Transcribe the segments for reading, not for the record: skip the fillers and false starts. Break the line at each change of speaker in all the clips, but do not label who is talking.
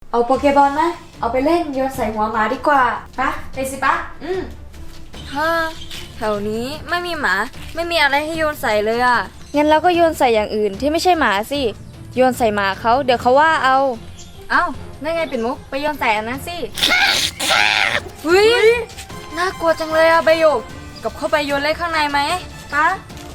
เอาโปเกบอลไหมเอาไปเล่นโยนใส่หัวหมาดีกว่าปะไปสิปะฮ่าแถวนี้ไม่มีหมาไม่มีอะไรให้โยนใส่เลยอ่ะงั้นเราก็โยนใส่อย่างอื่นที่ไม่ใช่หมาสิโยนใส่หมาเขาเดี๋ยวเขาว่าเอานั่นไงปิ่นมุกไปโยนใส่อันนั้นสิเฮ้ยน่ากลัวจังเลยอะใบหยกกับเข้าไปโยนเล่นข้างในไหมปะ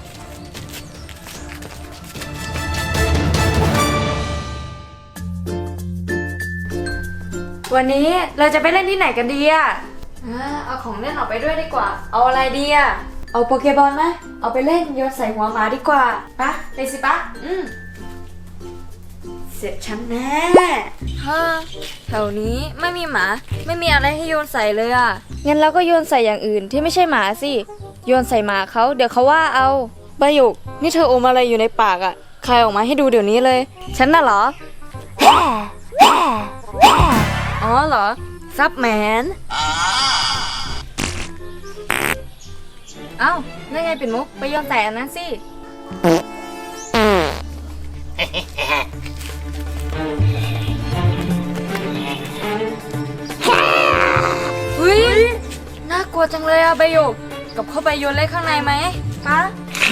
วันนี้เราจะไปเล่นที่ไหนกันดีอะเอาของเล่นออกไปด้วยดีกว่าเอาอะไรดีอะเอาโปเกบอลไหมเอาไปเล่นโยนใส่หัวหมาดีกว่าปะไปสิปะเสร็จฉันแน่ฮ่าแถวนี้ไม่มีหมาไม่มีอะไรให้โยนใส่เลยอ่ะงั้นเราก็โยนใส่อย่างอื่นที่ไม่ใช่หมาสิโยนใส่หมาเขาเดี๋ยวเขาว่าเอาใบหยกนี่เธออมอะไรอยู่ในปากอ่ะใครออกมาให้ดูเดี๋ยวนี้เลยฉันน่ะเหรออ๋อเหรอซับแมนนั่นไงปิ่นมุกไปโยนใส่อันนั้นสิเฮ้ยน่ากลัวจังเลยอะใบหยกกับเข้าไปโยนเล่นข้างในไหมปะ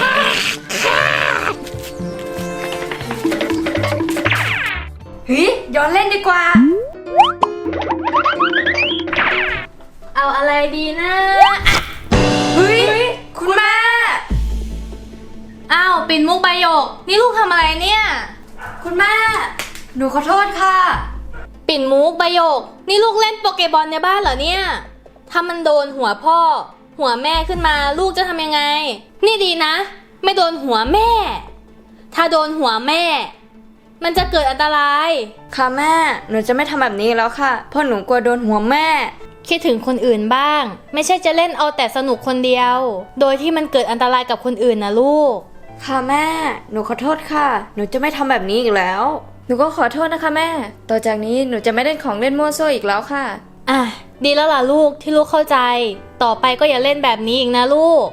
เฮ้ยโยนเล่นดีกว่าเอาอะไรดีนะเฮ้ยคุณแม่
ปิ่นมุกใบหยกนี่ลูกทำอะไรเนี่ย
คุณแม่หนูขอโทษค่ะ
ปิ่นมุกใบหยกนี่ลูกเล่นโปเกบอลในบ้านเหรอเนี่ยถ้ามันโดนหัวพ่อหัวแม่ขึ้นมาลูกจะทำยังไงนี่ดีนะไม่โดนหัวแม่ถ้าโดนหัวแม่มันจะเกิดอันตราย
ค่ะแม่หนูจะไม่ทำแบบนี้แล้วค่ะเพราะหนูกลัวโดนหัวแม่
คิดถึงคนอื่นบ้างไม่ใช่จะเล่นเอาแต่สนุกคนเดียวโดยที่มันเกิดอันตรายกับคนอื่นนะลูก
ค่ะแม่หนูขอโทษค่ะหนูจะไม่ทำแบบนี้อีกแล้วหนูก็ขอโทษนะคะแม่ต่อจากนี้หนูจะไม่เล่นของเล่นมั่วซั่วอีกแล้วค่ะ
ดีแล้วล่ะลูกที่ลูกเข้าใจต่อไปก็อย่าเล่นแบบนี้อีกนะลูก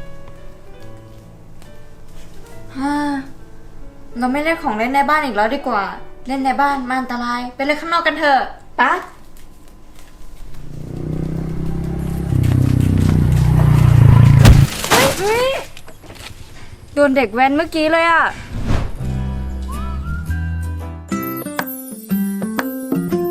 เราไม่เล่นของเล่นในบ้านอีกแล้วดีกว่าเล่นในบ้านมันอันตรายไปเล่นข้างนอกกันเถอะปะเฮ้ยโดนเด็กแว้นเมื่อกี้เลยอ่ะ